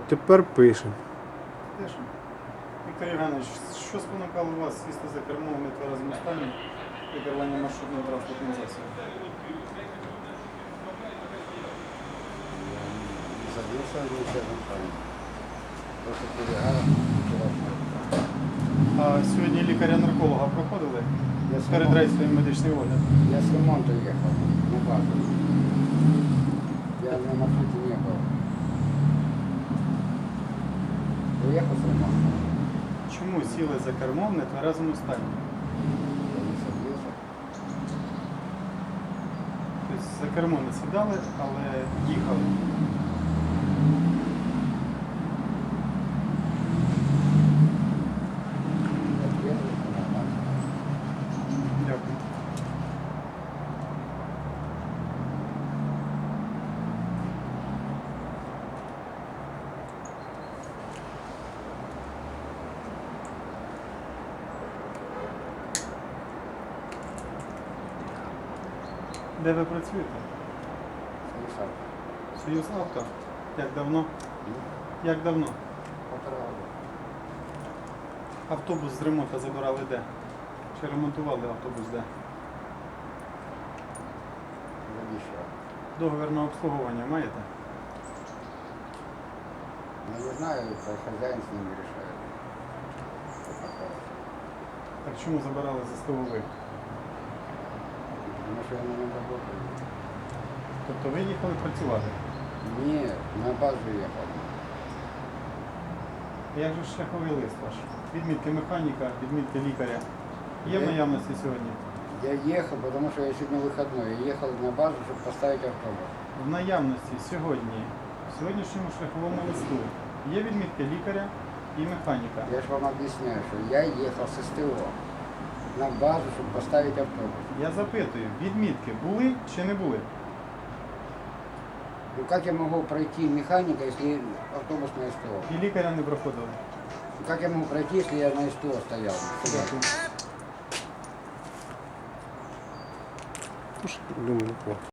Тепер пишемо. Теж. Віктор Євгенович, що спонукало вас сісти за кермо в нетверезому стані при керуванні маршрутним транспортним засобом? Садился в нечаянном плане. Просто перегар вчерашнего. А сьогодні лікаря-нарколога проходили Я перед рейсовим медичний огляд? Я с ремонта ехал на базу. Я на маршруте не был. Уехал с ремонта. Чому сіли за кермо в нетверезому стані? Я не садился. Тобто за кермо не сідали, але їхали. Я трезвый, нормально. Дякую. Де ви працюєте? Слышал. Союз авто. Як давно? Як давно? Полтора года. Автобус з ремонту забирали де? Чи ремонтували автобус де? Завещал. Договір на обслуговування маєте? Но не знаю, это хозяин с ними решает. Что такое. Так чому забирали за СТО? Потому что я на нем работаю. Тобто ви їхали працювати? Нет, на базу ехал. Як же ж шляховий лист ваш? Відмітки механіка, відмітки лікаря. Є в наявності сьогодні? Я ехал, потому что я сегодня выходной. Я ехал на базу, чтобы поставить автобус. В наявності сьогодні, в сьогоднішньому шляховому листу є відмітки лікаря і механіка. Я же вам объясняю, что я ехал с СТО на базу, чтобы поставить автобус. Я запитую, відмітки були чи не були? Ну как я могу пройти механика, если автобус на СТО? І лікаря не проходили. Ну, как я могу пройти, если я на СТО стоял? Дякую. Думаю, не